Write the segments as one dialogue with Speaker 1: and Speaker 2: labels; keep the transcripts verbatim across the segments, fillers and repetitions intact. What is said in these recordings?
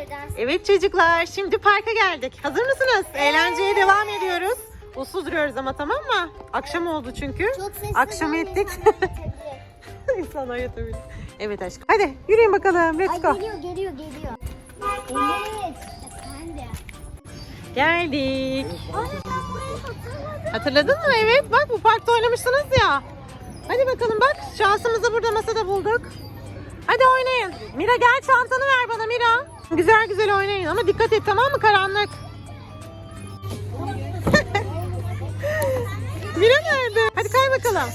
Speaker 1: yerden.
Speaker 2: Evet çocuklar, şimdi parka geldik. Hazır mısınız?
Speaker 1: Evet.
Speaker 2: Eğlenceye devam ediyoruz. Uslu duruyoruz ama, tamam mı? Akşam oldu çünkü.
Speaker 1: Çok sesli.
Speaker 2: Akşam
Speaker 1: olan
Speaker 2: ettik.
Speaker 1: insanlar yetebilir.
Speaker 2: İnsanlar yatabilir. Evet aşkım. Hadi yürüyün bakalım. Let's
Speaker 1: Ay
Speaker 2: go.
Speaker 1: geliyor geliyor geliyor. Evet. Efendim.
Speaker 2: Geldik.
Speaker 1: Ay ben burayı hatırladım.
Speaker 2: Hatırladın mı? Evet. Bak, bu parkta oynamışsınız ya. Hadi bakalım bak. Şansımızı burada masada bulduk. Hadi oynayın. Mira gel, çantanı ver bana Mira. Güzel güzel oynayın ama dikkat et, tamam mı? Karanlık. Mira nerede? Hadi kay bakalım.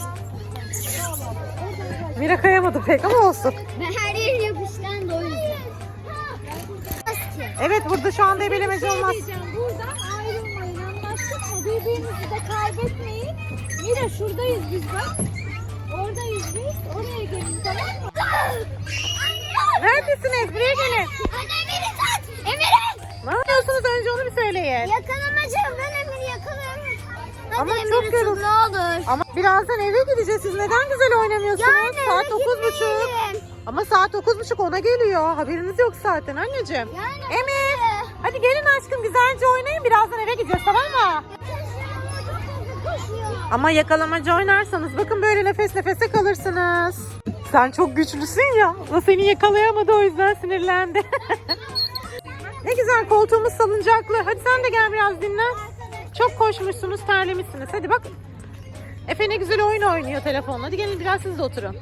Speaker 2: Mira kayamadı pek ama olsun.
Speaker 1: Ben her yerim yapışkan da o yüzden.
Speaker 2: Evet, burada şu anda ebelemeci olmaz.
Speaker 3: Buradan ayrılmayın, anlaştık mı? Birbirinizi de kaybetmeyin. Mira şuradayız biz bak. Oradayız biz. Oraya gelin, tamam mı?
Speaker 2: Neredesiniz? Buraya gelin.
Speaker 1: Anne Emir'i tut. Emir'i.
Speaker 2: Ne yapıyorsunuz? Önce onu bir söyleyin.
Speaker 1: Yakalamacağım, ben Emir'i yakalıyorum. Hadi
Speaker 2: Ama
Speaker 1: Emir'i
Speaker 2: çok
Speaker 1: tut,
Speaker 2: yoruldu.
Speaker 1: ne olur.
Speaker 2: Ama birazdan eve gideceğiz. Siz neden güzel oynamıyorsunuz?
Speaker 1: Yani
Speaker 2: saat
Speaker 1: eve
Speaker 2: dokuz buçuk.
Speaker 1: gitmeyelim.
Speaker 2: Ama saat dokuz buçuk ona geliyor. Haberiniz yok zaten anneciğim.
Speaker 1: Yani
Speaker 2: Emir. Hadi gelin aşkım, güzelce oynayın. Birazdan eve gideceğiz, tamam mı? Ama yakalamacı oynarsanız bakın böyle nefes nefese kalırsınız. Sen çok güçlüsün ya. O seni yakalayamadı, o yüzden sinirlendi. Ne güzel, koltuğumuz salıncaklı. Hadi sen de gel biraz dinlen. Çok koşmuşsunuz, terlemişsiniz. Hadi bak. Efe ne güzel oyun oynuyor telefonla. Hadi gelin biraz siz de oturun.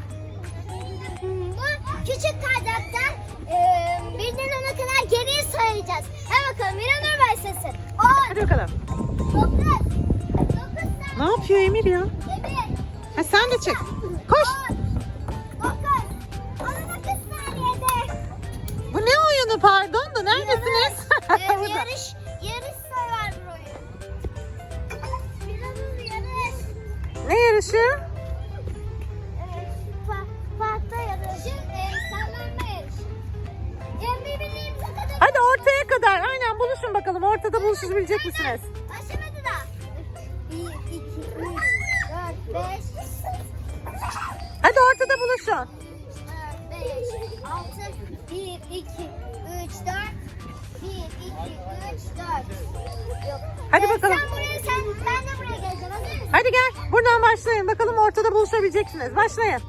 Speaker 1: Bu küçük kardaktan e, birden ona kadar geriye sayacağız. Hadi bakalım Miranur başlasın. on,
Speaker 2: Hadi bakalım.
Speaker 1: dokuz, dokuz
Speaker 2: Ne yapıyor Emir ya?
Speaker 1: Emir,
Speaker 2: Ha, sen de çık. Koş.
Speaker 1: dokuz, on dokuz saniyede.
Speaker 2: Bu ne oyunu pardon da, neredesiniz?
Speaker 1: Ee,
Speaker 2: Burada.
Speaker 1: yarış, yarış sever bir oyun. Miranur yarış.
Speaker 2: Ne yarışı?
Speaker 1: Evet, pa parkta yarışı, e, sallanma yarışı. Yani birbirlerimize kadar.
Speaker 2: Hadi ortaya kadar. Aynen, buluşun bakalım. Ortada buluşabilecek misiniz?
Speaker 1: Başlamadı da. bir, iki, üç, dört, beş,
Speaker 2: Hadi ortada buluşun.
Speaker 1: dört, beş, altı, bir, iki, üç, dört, bir, iki, üç, dört. Yok.
Speaker 2: Hadi
Speaker 1: Ee,
Speaker 2: bakalım.
Speaker 1: Sen buraya, sen, ben de buraya geleceğim. Hazır mısın?
Speaker 2: Hadi gel. Buradan başlayın. Bakalım ortada buluşabileceksiniz. Başlayın.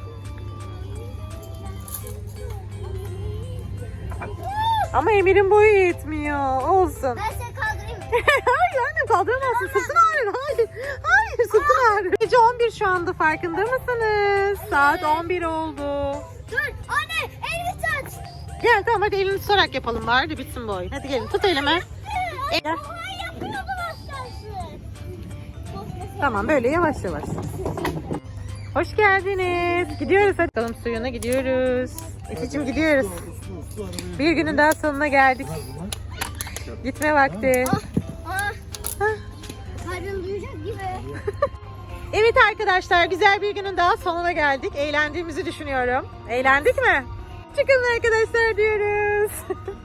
Speaker 2: Ama Emir'in boyu yetmiyor. Olsun.
Speaker 1: Ben seni kaldırayım mı?
Speaker 2: Hayır annem, kaldıramazsın. Sırtın ağrır. Hayır. Hayır, sırtın ağrır. Gece on bir şu anda, farkında mısınız? Saat on bir oldu.
Speaker 1: Dur anne elimi tut.
Speaker 2: Gel tamam, hadi elini tutarak yapalım bari de bitsin bu oyun. Hadi gelin, tut elimi. E- Gel.
Speaker 1: Ay yapıyordum aslansı.
Speaker 2: Tamam, böyle yavaş yavaş. Hoş geldiniz. Gidiyoruz hadi. Bakalım suyuna gidiyoruz. Efe'cim gidiyoruz. Bir günün daha sonuna geldik. Gitme vakti.
Speaker 1: Ah, ah. Karnım duyacak gibi.
Speaker 2: Evet arkadaşlar, güzel bir günün daha sonuna geldik. Eğlendiğimizi düşünüyorum. Eğlendik mi? Çıkın arkadaşlar diyoruz.